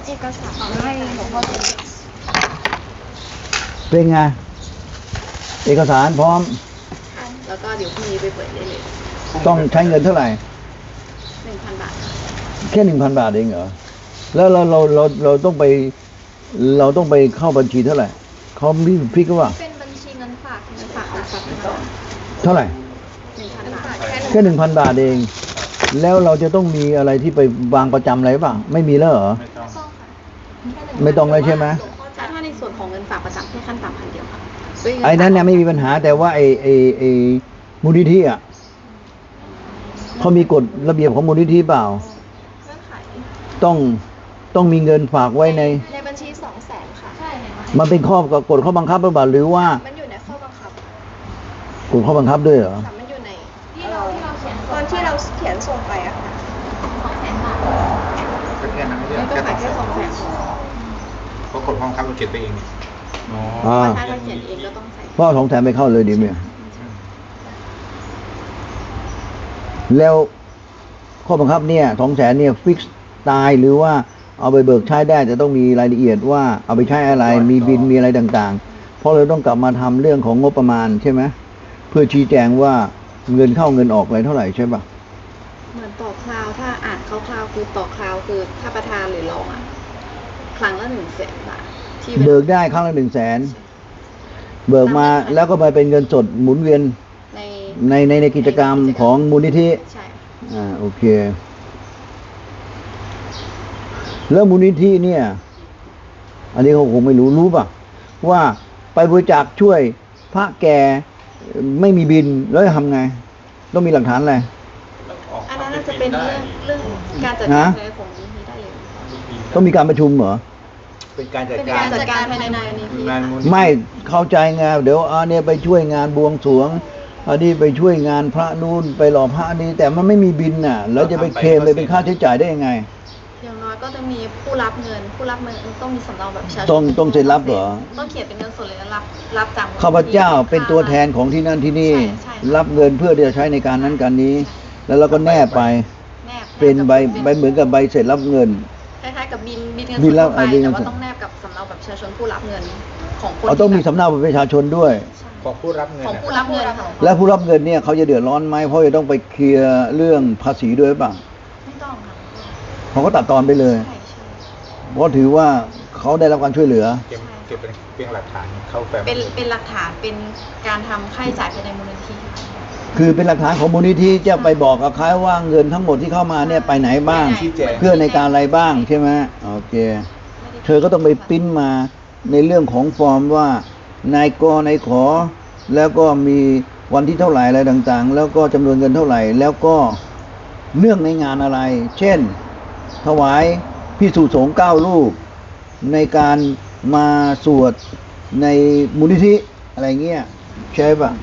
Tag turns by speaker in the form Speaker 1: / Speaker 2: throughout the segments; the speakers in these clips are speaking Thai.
Speaker 1: เอกสารให้หลวงพ่อเซ็น
Speaker 2: เป็นไงเอกสารพร้อม
Speaker 1: แล้วก็เดี๋ยวพรุ่งนี้ไปเปิดได้เลย
Speaker 2: ต้องใช้เงินเท่าไหร่
Speaker 1: 1,000 บาท
Speaker 2: แค่ 1,000 บาทเองเหรอแล้วเราต้องไปเข้าบัญชีเท่าไหร่เขามีฟิกว่า
Speaker 1: เป็นบัญชีเงินฝากออมทรัพย์
Speaker 2: เท่าไหร่
Speaker 1: 1,000 บาท
Speaker 2: แค่ 1,000 บาทเองแล้วเราจะต้องมีอะไรที่ไปวางประจำอะไรบ้างไม่มีแล้วเหรอไม่ต้องเลยใช่ไหม
Speaker 1: ถ้าในส่วนของเงินฝากประจำแค่ขั้นต่ำ1,000 เดียวค่ะ
Speaker 2: ไอ้นั้นเนี่ยไม่มีปัญหาแต่ว่าไอ้มูลนิธิอ่ะเขามีกฎระเบียบของมูลนิธิเปล่าต้องมีเงินฝากไว้ใน
Speaker 1: บัญชี200,000ค่ะใช่
Speaker 2: มันเป็นกฎข้อบังคับหรือเปล่าหรือว่า
Speaker 1: มันอยู่ในข้อบังคับ
Speaker 2: กฎข้อบังคับด้วยเหรอ
Speaker 1: มันอยู่ในที่เราเขียนตอนที่เราเขียนส่งไปอะค่ะ200,000 บาท
Speaker 3: ก็แค่นั้นไม่ใช่
Speaker 1: แค่200,000
Speaker 3: เพราะกฎข้อบังคับเราเขียนไปเองนี่
Speaker 1: ถ้าเราเขียนเองก็ต้องใส่
Speaker 2: พ่อ200,000ไม่เข้าเลยดิเมียแล้วข้อบังคับเนี่ย200,000เนี่ยฟิกซ์ตายหรือว่าเอาไปเบิกใช้ได้แต่ต้องมีรายละเอียดว่าเอาไปใช้อะไรมีบินมีอะไรต่างๆเพราะเราต้องกลับมาทำเรื่องของงบประมาณใช่ไหมเพื่อชี้แจงว่าเงินเข้าเงินออกอะไรเท่าไหร่ใช่ปะ
Speaker 1: เหมือนต่อคราวถ้าอ่านคร่าวๆคือต่อคราวคือถ้าประธานหรือรองอ่ะครั้งละ100,000 บาทที่
Speaker 2: เบิกได้ครั้งละ100,000เบิกมาแล้วก็ไปเป็นเงินสดหมุนเวียนในกิจกรรมของมูลนิธิ
Speaker 1: ใช่
Speaker 2: โอเคแล้วมูลนิธิเนี่ยอันนี้เขาคงไม่รู้ป่ะว่าไปบริจาคช่วยพระแก่ไม่มีบินแล้วจะทำไงต้องมีหลักฐานอะไร
Speaker 1: อันนั้นจะเป็นเรื่องการจัดการภายในของมูลนิธิได้เลย
Speaker 2: ต้องมีการประชุมเหรอ
Speaker 3: เป็นการจัด
Speaker 1: การภายในมูลนิธิ
Speaker 2: ไม่เข้าใจไงเดี๋ยวเนี่ยไปช่วยงานบวงสรวงอันนี้ไปช่วยงานพระนู่นไปหล่อพระนี้แต่มันไม่มีบินน่ะแล้วจะไปเคลมไปเป็นค่าใช้จ่ายได้ยังไง
Speaker 1: อย่างน้อยก็จะมีผู้รับเงินต้องมีสำเนาแบบประชาชน
Speaker 2: ต้องเซ็นรับเหรอ
Speaker 1: ต้องเขียนเป็นเงินสดเลยรับจาก
Speaker 2: ข้าพเจ้าเป็นตัวแทนของที่นั่นที่นี่รับเงินเพื่อที่จะใช้ในการนั้นการนี้แล้วเราก็แนบไปเป็นใบเหมือนกับใบเสร็จรับเงิน
Speaker 1: คล้ายๆกับบินเงินสดไปแต่ว่าต้องแนบกับสำเนาแบบประชาชนผู้รับเงินของคน
Speaker 2: ต้องมีสำเนาบัตรประชาชนด้วย
Speaker 3: ของผู้รับเงิน
Speaker 2: และผู้รับเงินเนี่ยเขาจะเดือดร้อนไหมเพราะจะต้องไปเคลียร์เรื่องภาษีด้วยป่ะ
Speaker 1: ไม่ต้องค่ะ
Speaker 2: เขาก็ตัดตอนไปเลยเพราะถือว่าเขาได้รับการช่วยเหลือ
Speaker 3: เก็บเป็นหลักฐานเข้าแฟ้ม
Speaker 1: เป็นหลักฐานเป็นการทำค่าใช้จ่ายภายในมูลนิธิ
Speaker 2: คือเป็นหลักฐานของมูลนิธิจะไปบอกกับเขาว่าเงินทั้งหมดที่เข้ามาเนี่ยไปไหนบ้างเพื่อในการอะไรบ้างใช่ไหมโอเคเธอก็ต้องไปปริ้นมาในเรื่องของฟอร์มว่านายกนายขอแล้วก็มีวันที่เท่าไหร่อะไรต่างๆแล้วก็จำนวนเงินเท่าไหร่แล้วก็เรื่องในงานอะไรเช่นถวายภิกษุสงฆ์9 รูปในการมาสวดในมูลนิธิอะไรเงี้ยใช่ป่ะ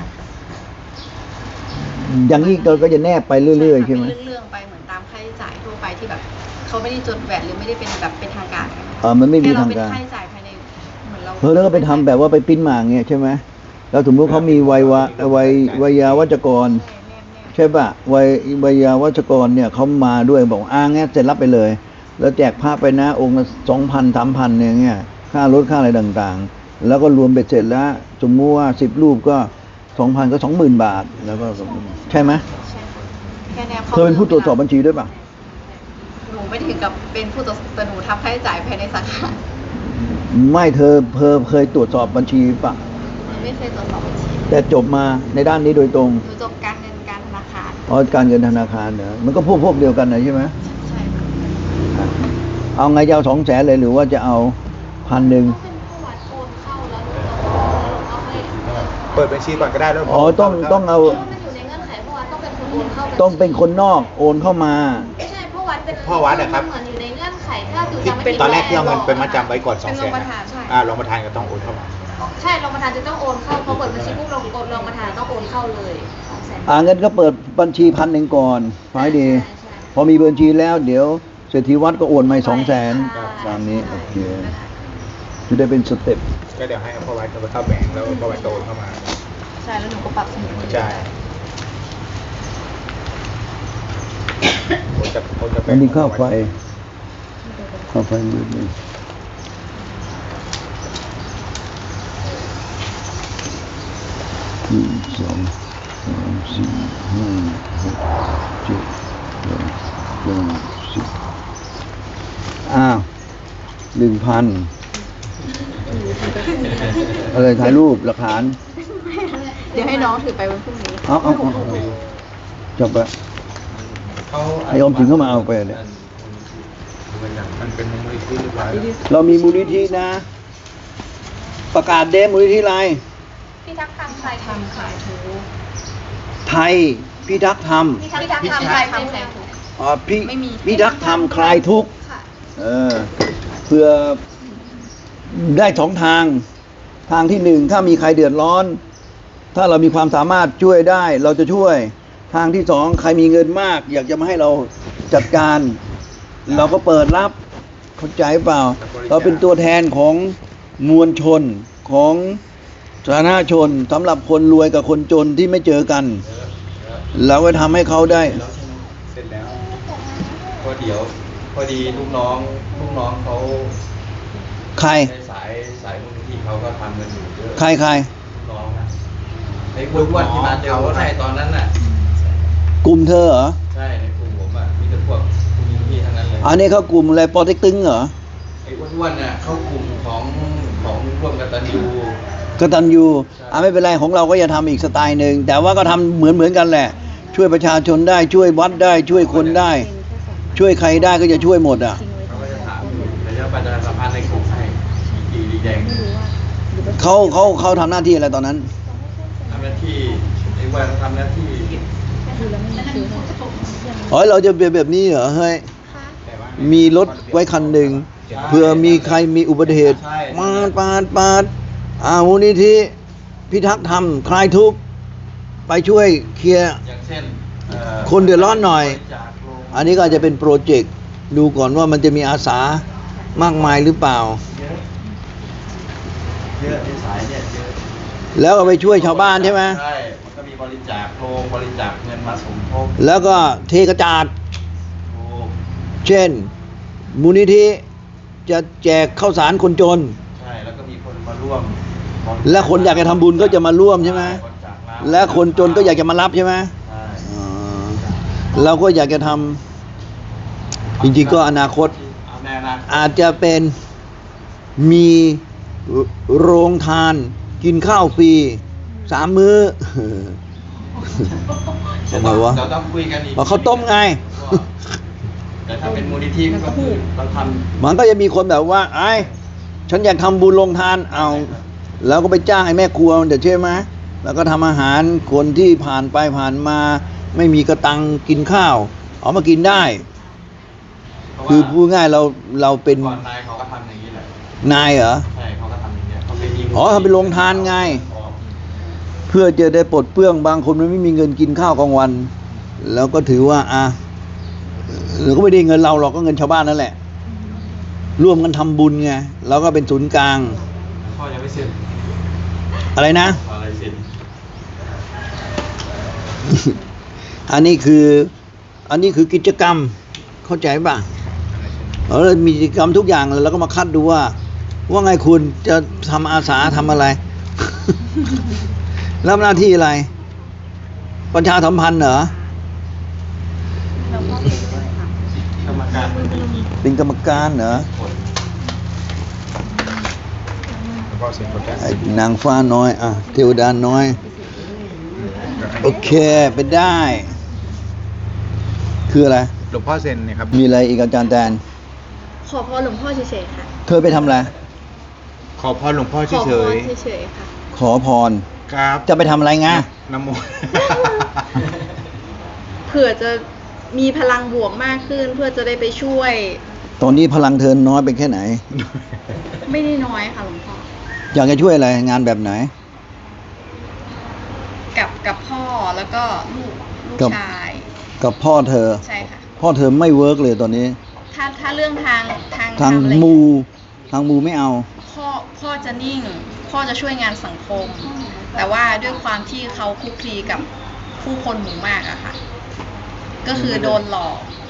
Speaker 2: อย่างนี้เราก็จะแนบไปเรื่อยๆใช่ไหม
Speaker 1: เรื่องไปเหมือนตามค่าใช้จ่ายทั่วไปที่แบบเขาไม่ได้จดแวดหรือไม่ได้เป็นแบบเป็นทางการ
Speaker 2: มันไม่มีทางการ
Speaker 1: ค่าใช้จ่ายภายในเหมือนเรา
Speaker 2: แล้วก็ไปทำแบบว่าไปปิ้นมาเงี้ยใช่ไหมแล้วสมมติเขามีวัยวัจกรใช่ป่ะวัยวัจกรเนี่ยเขามาด้วยบอกงี้เสร็จรับไปเลยแล้วแจกพระไปนะองค์ละ2,000 3,000เนี่ยเงี้ยค่ารถค่าอะไรต่างๆแล้วก็รวมเบ็ดเสร็จแล้วสมมติว่า10 รูปก็ 2,000 ก็ 20,000 บาทแล้วก็ใช่ไหมเธอเป็นผู้ตรวจสอบบัญชีด้วยป่ะ
Speaker 1: หนูไม่ถึงกับเป็นผู้ตรวจแต่หนูทำค่าใช้จ่ายภายในสาขา
Speaker 2: ไม่เธอเคยตรวจสอบบัญชีป่ะ
Speaker 1: ไม่เคยตรวจสอบบัญชี
Speaker 2: แต่จบมาในด้านนี้โดยตรง
Speaker 1: หนูจบการเงินการธนาคาร
Speaker 2: การเงินธนาคารเหรอมันก็พวกเดียวกันนะใช่ไหม
Speaker 1: ใช่ค่ะ
Speaker 2: เอาไงจะเอา200,000เลยหรือว่าจะเอา1,000
Speaker 3: เปิดบัญชีก่อนก็ได้แล้ว
Speaker 2: ต้องเอาต้องเป็นคนนอกโอนเข้ามา
Speaker 1: ไม่ใช่พ่
Speaker 3: อวัดนะครับ
Speaker 1: เหมือนอยู่ในเงื่อนไขถ้าดูจำไม่
Speaker 3: ผิดตอนแรกที่เอาเงินเป็นมัดจำไว้ก่อน200,000รองประธานก็ต้องโอนเข้ามา
Speaker 1: ใช่รองประธานจะต้องโอนเข้าพอเปิดบัญชีปุ๊บรองประธานต้องโอนเข้าเลย
Speaker 2: 200,000เงินก็เปิดบัญชี1,000ก่อนฝ่ายดีพอมีบัญชีแล้วเดี๋ยวเศรษฐีวัดก็โอนมา200,000ตามนี้โอเคจะได้เป็นสเต็ป
Speaker 3: ก็เดี๋ยวให้พ่อวัดเข้าแบงก์แล้วพ่อวัดโอนเข้ามา
Speaker 1: ใช่แล้วหนูก็ปรับสมุด
Speaker 3: ใช่
Speaker 2: อันนี้ค่าไฟเอาไฟมืดเลย1 2 3 4 5 6 7 8 9 10อ้าว 1,000 อะไรถ่ายรูปหลักฐาน
Speaker 1: เดี๋ยวให้น้องถือไปวันพรุ่งนี้
Speaker 2: เอาจบละให้ออมสินเข้ามาเอาไปเนี่ย
Speaker 3: มันเป็นมูลนิธิเรียบร้อยแล้ว
Speaker 2: เรามีมูลนิธินะ ประกาศเดมูลนิธิอะไร
Speaker 1: พี่ทักษ์ทำใครทำขายถู
Speaker 2: ไทยพิทักษ์ธรรม
Speaker 1: พี่ทักษ์ทำใครทำแขกถู ไม่มี
Speaker 2: พิทักษ์ธรรมคลายทุกข์
Speaker 1: ค่ะ
Speaker 2: เพื่อได้2 ทาง ทางที่ 1ถ้ามีใครเดือดร้อน ถ้าเรามีความสามารถช่วยได้เราจะช่วย ทางที่ 2ใครมีเงินมาก อยากจะมาให้เราจัดการ เราก็เปิดรับเข้าใจเปล่า เราเป็นตัวแทนของมวลชนของสาธารณชนสำหรับคนรวยกับคนจนที่ไม่เจอกัน เราก็ทำให้เขาได้
Speaker 3: เสร็จแล้ว
Speaker 4: พอดีลูกน้องเขา
Speaker 2: ใคร
Speaker 4: ในสายมูลนิธิเขาก็ทำกันอยู่เยอะ
Speaker 2: ใคร
Speaker 4: ลูกน้องนะไอ้อ้วนๆที่มาเจอว่าใช่ตอนนั้นน่ะ
Speaker 2: กลุ่มเธอเหรอ
Speaker 4: ใช่ในกลุ่มผมอ่ะมีแต่พวกมูลนิธิทั้งนั้นเลย
Speaker 2: อันนี้เขากลุ่มอะไรปอเต็กตึงเหรอ
Speaker 4: ไอ้อ้วนๆน่ะเข้ากลุ่มของร่วมกตัญญู
Speaker 2: กตัญญูไม่เป็นไรของเราก็จะทำอีกสไตล์หนึ่งแต่ว่าก็ทำเหมือนกันแหละ ช่วยประชาชนได้ช่วยวัดได้ช่วยคนได้ ช่วยใครได้ก็จะช่วยหมดอ่ะ
Speaker 4: เขาก็จะถามอยู่แต่จะประชาสัมพันธ์ในกลุ่มให้สีดีแดง
Speaker 2: เขาทำหน้าที่อะไรตอนนั้น
Speaker 4: ทำหน้าที่ไอ้อ้วนทำหน้าที่
Speaker 2: เราจะเป็นแบบนี้เหรอเฮ้ย
Speaker 3: แต่ว่า
Speaker 2: มีรถไว้คันหนึ่งเผื่อมีใครมีอุบัติเหตุปาดมูลนิธิพิทักษ์ธรรมคลายทุกข์ไปช่วยเคลียร์
Speaker 4: อย่างเช่น
Speaker 2: คนเดือดร้อนหน่อย
Speaker 4: จากโรง
Speaker 2: อันนี้ก็อาจจะเป็นโปรเจกต์ดูก่อนว่ามันจะมีอาสามากมายหรือเปล่า
Speaker 4: เยอะในสายเนี่ยเยอะ
Speaker 2: แล้วก็ไปช่วยชาวบ้านใช่ไหม
Speaker 4: ใช่ มันก็มีบริจาคโรงบริจาคเงินมาสมทบ
Speaker 2: แล้วก็เทกระจาด
Speaker 4: โอ้
Speaker 2: เช่นมูลนิธิจะแจกข้าวสารคนจน
Speaker 4: ใช่ แล้วก็มีคนมาร่วม
Speaker 2: และคนอยากจะทำบุญก็จะมาร่วมใช่ไหม
Speaker 4: บริจาคน้ำ
Speaker 2: และคนจนก็อยากจะมารับใช่ไหม
Speaker 4: ใช่
Speaker 2: เราก็อยากจะทำจริงๆก็อนาคต
Speaker 4: เอาแน่นะ
Speaker 2: อาจจะเป็นมีโรงทานกินข้าวฟรี3 มื้อ ทำไมวะ
Speaker 4: เราต้องคุยกันอีก
Speaker 2: ว่าเขาวต้มไง
Speaker 4: แต่ถ้าเป็นมูลนิธิก็คือเราท
Speaker 2: มันก็จะมีคนแบบว่าไอ้ฉันอยากทำบุญโรงทานเอาแล้วก็ไปจ้างไอ้แม่ครัวเดี๋ยวใช่ไหมแล้วก็ทำอาหารคนที่ผ่านไปผ่านมา ไม่มีกระตังกินข้าวเอามากินได้
Speaker 4: ำ
Speaker 2: คือพูดง่ายเราเป็น
Speaker 4: ก่อนนายเขาก็ทำอย่างนี้แหละ
Speaker 2: นายเหรอ
Speaker 4: ใช่เขาก็ทำอย่างเงี้ยเขาเป็น
Speaker 2: ทำเป็นโรงทานไง เพื่อจะได้ปลดเปลื้องบางคนมันไม่มีเงินกินข้าวกลางวัน แล้วก็ถือว่าเราก็ไม่ได้เงินเราหรอกก็เงินชาวบ้านนั่นแหละ ร่วมกันทำบุญไงเราก็เป็นศูนย์กลาง
Speaker 4: พ่อยังไม่เสร็จ
Speaker 2: อะไรนะ
Speaker 4: อะไรเสร็จ
Speaker 2: อันนี้คือกิจกรรมเข้าใจป่ะเรามีกิจกรรมทุกอย่างแล้วเราก็มาคัดดูว่าไงคุณจะทำอาสาทำอะไร รับหน้าที่อะไร ประชาสัมพันธ์เหรอ
Speaker 4: กรรมการ
Speaker 2: เป็นกรรมการเหรอ
Speaker 4: คน
Speaker 3: แล้วก็เซ็นโปรแกรม
Speaker 2: ไอ้นางฟ้าน้อยเทวดาน้อย โอเคไปได้ คืออะไร
Speaker 3: หลวงพ่อเซ็นเนี่ยครับ
Speaker 2: มีอะไรอีกอาจารย์แตน
Speaker 1: ขอพรหลวงพ่อเฉยๆค่ะ
Speaker 2: เธอไปทำอะไร
Speaker 3: ขอพรหลวงพ่อ
Speaker 1: ขอ
Speaker 3: เฉ
Speaker 1: พร
Speaker 3: ย
Speaker 1: เฉยๆค่ะ
Speaker 2: ขอพร
Speaker 3: ๆครับ
Speaker 2: จะไปทำอะไรไง
Speaker 3: น้ำมนต์
Speaker 1: เผื่อจะมีพลังบวกมากขึ้น เพื่อจะได้ไปช่วย
Speaker 2: ตอนนี้พลังเธอน้อยเป็นแค่ไหน
Speaker 1: ไม่ได้น้อยค่ะหลวงพ่อ
Speaker 2: อยากจะช่วยอะไรงานแบบไหน
Speaker 1: กับพ่อแล้วก็ลูก
Speaker 2: กับ
Speaker 1: ชาย
Speaker 2: กับพ่อเธอ
Speaker 1: ใช่ค่ะ
Speaker 2: พ่อเธอไม่เวิร์กเลยตอนนี้
Speaker 1: ถ้าเรื่องทาง
Speaker 2: ทาง
Speaker 1: ทำอะไร
Speaker 2: มูไม่เอา
Speaker 1: พ่อจะนิ่ง พ่อจะช่วยงานสังคม แต่ว่าด้วยความที่เขาคลุกคลีกับผู้คนหมู่มากอะค่ะ ก็คือโดนหลอก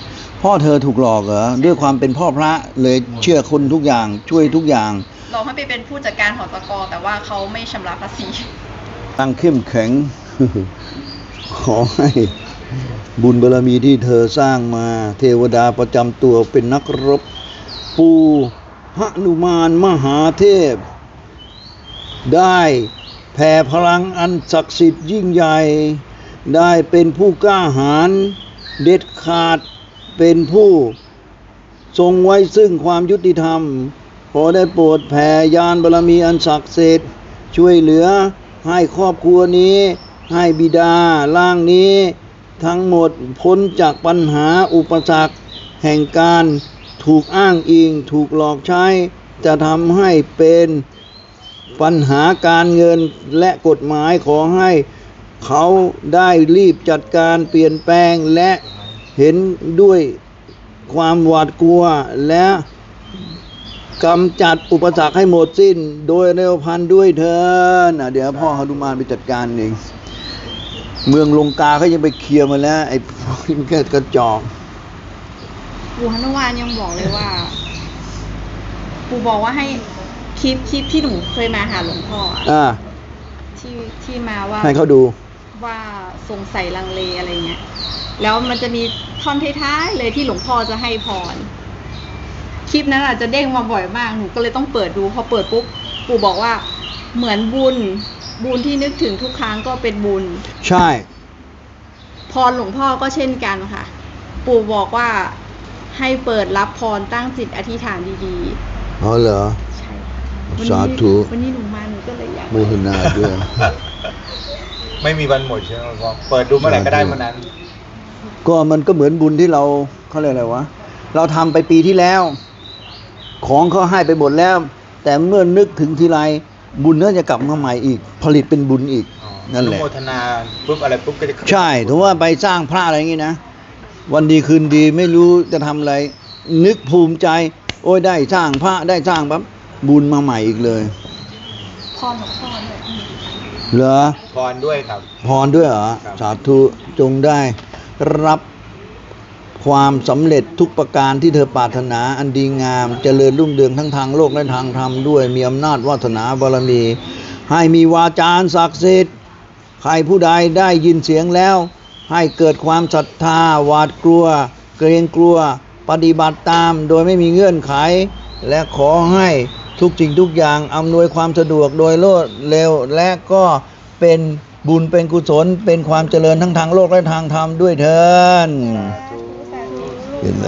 Speaker 2: พ่อเธอถูกหลอกเหรอด้วยความเป็นพ่อพระเลยเชื่อคนทุกอย่างช่วยทุกอย่าง
Speaker 1: เราให้ไปเป็นผู้จัดการหอตกแต่ว่าเขาไม่ชำระภาษี
Speaker 2: ตั้งเข้มแข็ง ขอให้บุญบารมีที่เธอสร้างมา เทวดาประจำตัวเป็นนักรบ ปูหนุมานมหาเทพ ได้แผ่พลังอันศักดิ์สิทธิ์ยิ่งใหญ่ ได้เป็นผู้กล้าหาญเด็ดขาดเป็นผู้ทรงไว้ซึ่งความยุติธรรม ขอได้โปรดแผ่ญาณบารมีอันศักดิ์สิทธิ์ช่วยเหลือให้ครอบครัวนี้ให้บิดาล่างนี้ ทั้งหมดพ้นจากปัญหาอุปสรรคแห่งการถูกอ้างอิงถูกหลอกใช้ จะทำให้เป็นปัญหาการเงินและกฎหมายขอให้เขาได้รีบจัดการเปลี่ยนแปลงและเห็นด้วยความหวาดกลัวและกำจัดอุปสรรคให้หมดสิ้นโดยเร็วพลันด้วยเถิดเดี๋ยวพ่อหนุมานไปจัดการเองเมืองลงกาเขายังไปเคลียร์มาแล้วไอ้พวกนี้มันก็กระจอก
Speaker 1: ปู่หนุมานยังบอกเลยว่า ปู่บอกว่าให้คลิปที่หนูเคยมาหาหลวงพ่ออะ
Speaker 2: อ่า
Speaker 1: ที่มาว่า
Speaker 2: ให้เขาดู
Speaker 1: ว่าสงสัยลังเลอะไรเงี้ย แล้วมันจะมีท่อนท้ายๆเลยที่หลวงพ่อจะให้พร คลิปนั้นอาจจะเด้งมาบ่อยมาก หนูก็เลยต้องเปิดดู พอเปิดปุ๊บ ปู่บอกว่าเหมือนบุญที่นึกถึงทุกครั้งก็เป็นบุญ
Speaker 2: ใช่
Speaker 1: พรหลวงพ่อก็เช่นกันค่ะ ปู่บอกว่าให้เปิดรับพรตั้งจิตอธิษฐานดี
Speaker 2: อ๋อเหรอ
Speaker 1: ๆ ใช่ค่ะ
Speaker 2: สาธุ
Speaker 1: วันนี้หนูมาหนูก็เลยอยาก
Speaker 2: โมทนาด้วย
Speaker 3: ไม่มีวันหมดใช่ไหมครับ เปิดดูเมื่อไหร่ก็ได้เมื่อนั้น
Speaker 2: ก็มันก็เหมือนบุญที่เราเขาเรียกอะไรวะเราทำไปปีที่แล้ว ของเขาให้ไปหมดแล้ว แต่เมื่อนึกถึงทีไรบุญนั้นจะกลับมาใหม่อีก ผลิตเป็นบุญอีกนั่นแหละ
Speaker 3: อนุโมทนาปุ๊บอะไรปุ๊บก็จะ
Speaker 2: ใช่ถือว่าไปสร้างพระอะไรอย่างงี้นะ วันดีคืนดีไม่รู้จะทำอะไร นึกภูมิใจ โอ้ยได้สร้างพระได้สร้างปั๊บบุญมาใหม่อีกเลย
Speaker 1: พรหลวงพ่อด้วย
Speaker 2: เหรอ
Speaker 3: พรด้วยครับ
Speaker 2: พรด้วยเหรอ
Speaker 3: ครับ
Speaker 2: สาธุจงได้รับความสำเร็จทุกประการที่เธอปรารถนาอันดีงาม เจริญรุ่งเรืองทั้งทางโลกและทางธรรมด้วย มีอำนาจวาสนาบารมี ให้มีวาจาอันศักดิ์สิทธิ์ใครผู้ใดได้ยินเสียงแล้ว ให้เกิดความศรัทธาหวาดกลัว เกรงกลัว ปฏิบัติตามโดยไม่มีเงื่อนไข และขอให้ทุกสิ่งทุกอย่างอำนวยความสะดวกโดยรวดเร็ว และก็เป็นบุญเป็นกุศลเป็นความเจริญทั้งทางโลกและทางธรรมด้วยเถิดเห็นไหม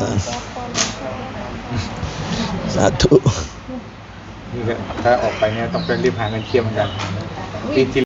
Speaker 2: สาธุ
Speaker 3: นี่ก็ถ้าออกไปเนี่ยต้องเป็นรีบหาเงินเคลียร์เหมือนกันปีที่